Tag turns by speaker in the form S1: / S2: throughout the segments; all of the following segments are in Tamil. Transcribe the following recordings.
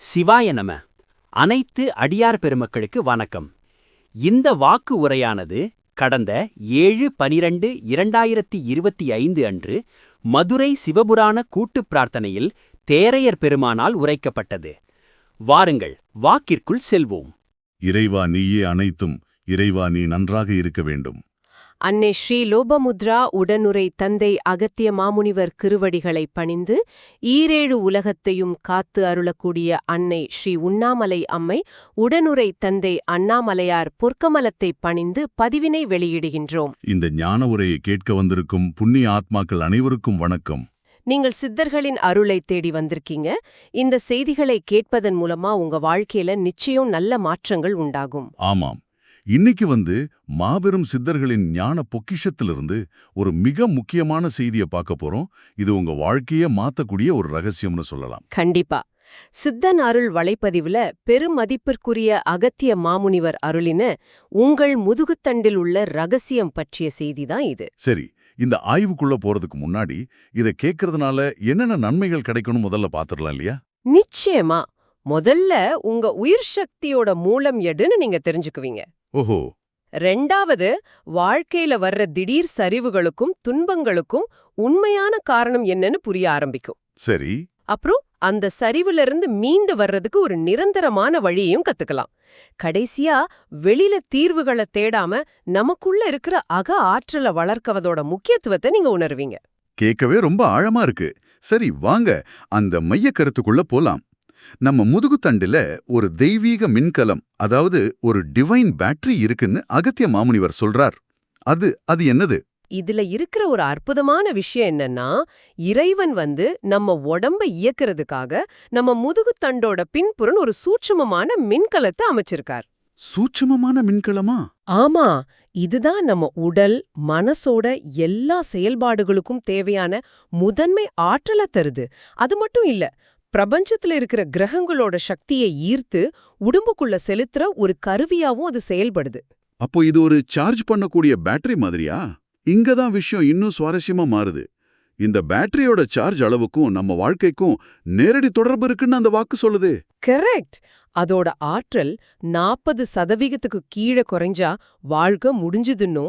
S1: சிவாய நம. அனைத்து அடியார் பெருமக்களுக்கு வணக்கம். இந்த வாக்கு உரையானது கடந்த 7/12/2025 அன்று மதுரை சிவபுராண கூட்டுப் பிரார்த்தனையில் தேரையர் பெருமானால் உரைக்கப்பட்டது. வாருங்கள், வாக்கிற்குள் செல்வோம்.
S2: இறைவா நீயே அனைத்தும், இறைவா நீ நன்றாக இருக்க வேண்டும்.
S3: அன்னை ஸ்ரீ லோபமுத்ரா உடனுரை தந்தை அகத்திய மாமுனிவர் திருவடிகளைப் பணிந்து ஈரேழு உலகத்தையும் காத்து அருளக்கூடிய அன்னை ஸ்ரீ உண்ணாமலை அம்மை உடனுரை தந்தை அண்ணாமலையார் பொற்கமலத்தைப் பணிந்து பதிவினை வெளியிடுகின்றோம்.
S2: இந்த ஞான உரையை கேட்க வந்திருக்கும் புண்ணிய ஆத்மாக்கள் அனைவருக்கும் வணக்கம்.
S3: நீங்கள் சித்தர்களின் அருளை தேடி வந்திருக்கீங்க. இந்த செய்திகளை கேட்பதன் மூலமா உங்க வாழ்க்கையில நிச்சயம் நல்ல மாற்றங்கள் உண்டாகும்.
S2: ஆமாம், இன்னைக்கு மாபெரும் சித்தர்களின் ஞான பொக்கிஷத்திலிருந்து ஒரு மிக முக்கியமான செய்தியை பார்க்க போறோம். இது உங்க வாழ்க்கையை மாத்தக்கூடிய ஒரு ரகசியம்னு சொல்லலாம்.
S3: கண்டிப்பா. சித்தன் அருள் வலைப்பதிவுல பெருமதிப்பிற்குரிய அகத்திய மாமுனிவர் அருளின உங்கள் முதுகுத்தண்டில் உள்ள ரகசியம் பற்றிய செய்திதான் இது.
S2: சரி, இந்த ஆய்வுக்குள்ள போறதுக்கு முன்னாடி இதை கேட்கறதுனால என்னென்ன நன்மைகள் கிடைக்கணும் முதல்ல பாத்துடலாம் இல்லையா?
S3: நிச்சயமா. முதல்ல உங்க உயிர் சக்தியோட மூலம் எதுன்னு நீங்க தெரிஞ்சுக்குவீங்க.
S2: ஓஹோ.
S3: ரெண்டாவது, வாழ்க்கையில வர்ற திடீர் சரிவுகளுக்கும் துன்பங்களுக்கும் உண்மையான காரணம் என்னன்னு புரிய ஆரம்பிக்கும்.
S2: சரி.
S3: அப்புறம் அந்த சரிவுல இருந்து மீண்டு வர்றதுக்கு ஒரு நிரந்தரமான வழியையும் கத்துக்கலாம். கடைசியா, வெளியில தீர்வுகளை தேடாம நமக்குள்ள இருக்கிற அக ஆற்றலை வளர்க்கவதோட முக்கியத்துவத்தை நீங்க உணர்வீங்க.
S2: கேட்கவே ரொம்ப ஆழமா இருக்கு. சரி, வாங்க அந்த மைய கருத்துக்குள்ள போலாம். நம்ம முதுகுத்தண்டில ஒரு தெய்வீக மின்கலம், அதாவது ஒரு டிவைன் பேட்டரி இருக்குன்னு அகத்திய மாமுனிவர் சொல்றார். அது என்னது?
S3: இதுல இருக்கிற ஒரு அற்புதமான விஷயம் என்னன்னா, இறைவன் நம்ம உடம்ப இயக்குறதுக்காக நம்ம முதுகுத்தண்டோட பின்புறம் ஒரு சூட்சுமமான மின்கலத்தை அமைச்சிருக்கார்.
S2: சூட்சுமமான மின்கலமா?
S3: ஆமா, இதுதான் நம்ம உடல் மனசோட எல்லா செயல்பாடுகளுக்கும் தேவையான முதன்மை ஆற்றலை தருது. அது மட்டும் இல்ல, பிரபஞ்சத்துல இருக்கிற கிரகங்களோட சக்தியை ஈர்த்து உடம்புக்குள்ள செலுத்துற ஒரு கருவியாவும் அது செயல்படுது.
S2: அப்போ இது ஒரு சார்ஜ் பண்ணக்கூடிய பேட்டரி மாதிரியா? இங்கதான் விஷயம் இன்னும் சுவாரஸ்யமா மாறுது. இந்த பேட்டரியோட சார்ஜ் அளவுக்கும் நம்ம வாழ்க்கைக்கும் நேரடி தொடர்பு இருக்குன்னு அந்த வாக்கு சொல்லுது.
S3: கரெக்ட். அதோட ஆற்றல் 40% கீழே குறைஞ்சா வாழ்க்கை முடிஞ்சுதுன்னும்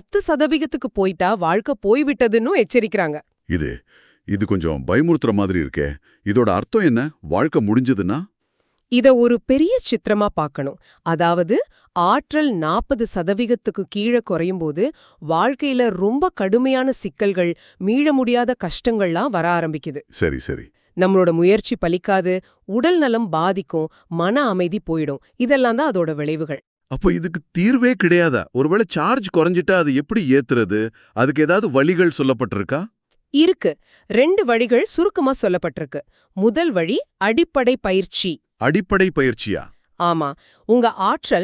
S3: 10% போயிட்டா வாழ்க்கை போய்விட்டதுன்னும் எச்சரிக்கிறாங்க.
S2: இது கொஞ்சம் பயமுறுத்துற மாதிரி இருக்கே. இதோட அர்த்தம் என்ன? வாழ்க்கை முடிஞ்சதுன்னா?
S3: இத ஒரு பெரிய சித்திரமா பார்க்கணும். அதாவது ஆற்றல் 40% கீழே குறையும் போது வாழ்க்கையில ரொம்ப கடுமையான சிக்கல்கள், மீள முடியாத கஷ்டங்கள்லாம் வர ஆரம்பிக்குது.
S2: சரி சரி.
S3: நம்மளோட முயற்சி பலிக்காது, உடல் நலம் பாதிக்கும், மன அமைதி போயிடும். இதெல்லாம் தான் அதோட விளைவுகள்.
S2: அப்போ இதுக்கு தீர்வே கிடையாதா? ஒருவேளை சார்ஜ் குறைஞ்சிட்டா அது எப்படி ஏத்துறது? அதுக்கு ஏதாவது வழிகள் சொல்லப்பட்டிருக்கா?
S3: இருக்கு. 2 வழிகள் சுருக்கமா சொல்லப்பட்டிருக்கு. முதல் வழி அடிப்படை பயிற்சி.
S2: அடிப்படை பயிற்சியா?
S3: ஆமா. உங்க ஆற்றல்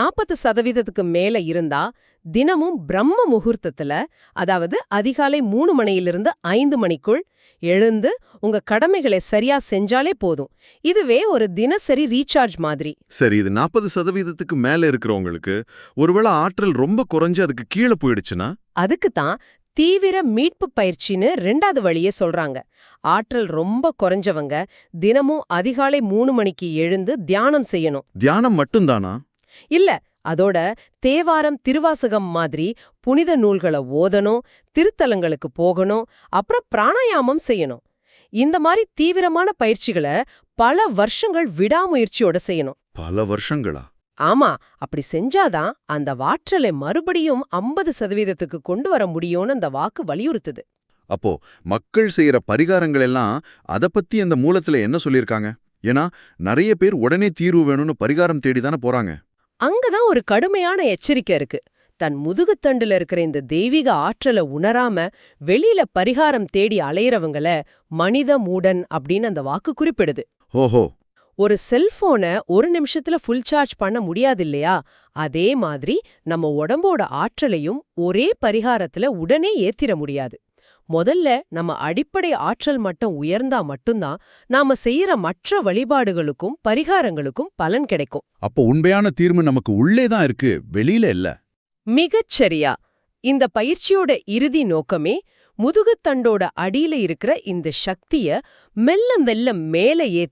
S3: 40% மேல இருந்தா தினமும் பிரம்ம முகூர்த்தத்துல, அதாவது அதிகாலை 3 மணியிலிருந்து 5 மணிக்குள் எழுந்து உங்க கடமைகளை சரியா செஞ்சாலே போதும். இதுவே ஒரு தினசரி ரீசார்ஜ் மாதிரி.
S2: சரி, இது 40%க்கு மேல இருக்கிறவங்களுக்கு ஒருவேளை ஆற்றல் ரொம்ப குறைஞ்சு அதுக்கு கீழே போயிடுச்சுன்னா?
S3: அதுக்குத்தான் தீவிர மீட்பு பயிற்சின்னு 2வது வழியே சொல்றாங்க. ஆற்றல் ரொம்ப குறைஞ்சவங்க தினமும் அதிகாலை 3 மணிக்கு எழுந்து தியானம் செய்யணும்.
S2: தியானம் மட்டும்தானா?
S3: இல்ல, அதோட தேவாரம் திருவாசகம் மாதிரி புனித நூல்களை ஓதணும், திருத்தலங்களுக்கு போகணும், அப்புறம் பிராணாயாமம் செய்யணும். இந்த மாதிரி தீவிரமான பயிற்சிகளை பல வருஷங்கள் விடாமுயற்சியோட செய்யணும்.
S2: பல வருஷங்களா?
S3: ஆமா. அப்படி செஞ்சாதான் அந்த ஆற்றலை மறுபடியும் 50%க்கு கொண்டு வர முடியும்னு அந்த வாக்கு வலியுறுத்துது.
S2: அப்போ மக்கள் செய்யற பரிகாரங்கள் எல்லாம் அத பத்தி அந்த மூலத்துல என்ன சொல்லிருக்காங்க? ஏன்னா நிறைய பேர் உடனே தீர்வு வேணும்னு பரிகாரம் தேடிதானே போறாங்க.
S3: அங்கதான் ஒரு கடுமையான எச்சரிக்கை இருக்கு. தன் முதுகுத்தண்டுல இருக்கிற இந்த தெய்வீக ஆற்றலை உணராம வெளியில பரிகாரம் தேடி அலையறவங்கள மனித மூடன் அப்படின்னு அந்த வாக்கு குறிப்பிடுது.
S2: ஓஹோ.
S3: ஒரு செல்போனை 1 நிமிஷத்துல ஃபுல் சார்ஜ் பண்ண முடியாது இல்லையா? அதே மாதிரி நம்ம உடம்போட ஆற்றலையும் ஒரே பரிகாரத்துல உடனே ஏத்திர முடியாது. முதல்ல நம்ம அடிப்படை ஆற்றல் மட்டம் உயர்ந்தா மட்டும்தான் நாம செய்யற மற்ற வழிபாடுகளுக்கும் பரிகாரங்களுக்கும் பலன் கிடைக்கும்.
S2: அப்போ உண்மையான தீர்வு நமக்கு உள்ளேதான் இருக்கு, வெளியில இல்ல.
S3: மிகச்சரியா. இந்த பயிற்சியோட இறுதி நோக்கமே முதுகுத்தண்டோட அடியில இருக்கிற இந்த சக்திய மெல்ல மெல்ல மேல ஏத்தி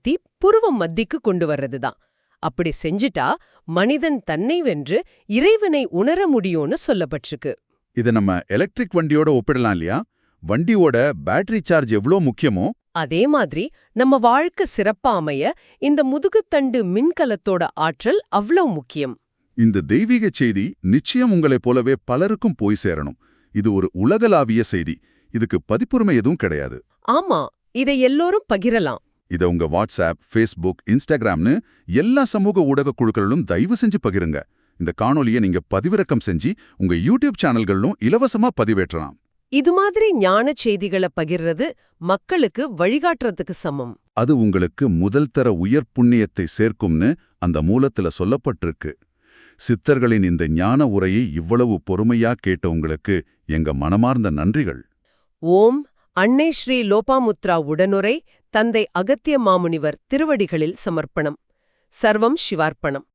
S3: புருவம் மத்திக்கு கொண்டு வர்றதுதான். அப்படி செஞ்சுட்டா மனிதன் தன்னை வென்று இறைவனை உணர முடியும்னு சொல்லப்பட்டிருக்கு.
S2: இதை நம்ம எலக்ட்ரிக் வண்டியோட ஒப்பிடலாம் இல்லையா? வண்டியோட பேட்டரி சார்ஜ் எவ்வளோ முக்கியமோ
S3: அதே மாதிரி நம்ம வாழ்க்கை சிறப்பா அமைய இந்த முதுகுத்தண்டு மின்கலத்தோட ஆற்றல் அவ்வளவு முக்கியம்.
S2: இந்த தெய்வீக செய்தி நிச்சயம் உங்களைப் போலவே பலருக்கும் போய் சேரணும். இது ஒரு உலகளாவிய செய்தி. இதுக்கு பதிப்புரிமை எதுவும் கிடையாது.
S3: ஆமா, இதை எல்லோரும் பகிரலாம்.
S2: இதை உங்க வாட்ஸ்அப், ஃபேஸ்புக், இன்ஸ்டாகிராம்னு எல்லா சமூக ஊடக குழுக்களிலும் தயவு செஞ்சு பகிருங்க. இந்த காணொலியை நீங்க பதிவிறக்கம் செஞ்சு உங்க யூடியூப் சேனல்களிலும் இலவசமா பதிவேற்றலாம்.
S3: இது மாதிரி ஞான செய்திகளை பகிர்றது மக்களுக்கு வழிகாட்டுறதுக்கு சமம்.
S2: அது உங்களுக்கு முதல் தர உயர் புண்ணியத்தை சேர்க்கும்னு அந்த மூலத்துல சொல்லப்பட்டிருக்கு. சித்தர்களின் இந்த ஞான உரையை இவ்வளவு பொறுமையா கேட்ட உங்களுக்கு எங்க மனமார்ந்த நன்றிகள்.
S3: ஓம் அன்னை ஸ்ரீ லோபாமுத்ரா உடனுரை தந்தை அகத்திய மாமுனிவர் திருவடிகளில் சமர்ப்பணம். சர்வம் சிவார்ப்பணம்.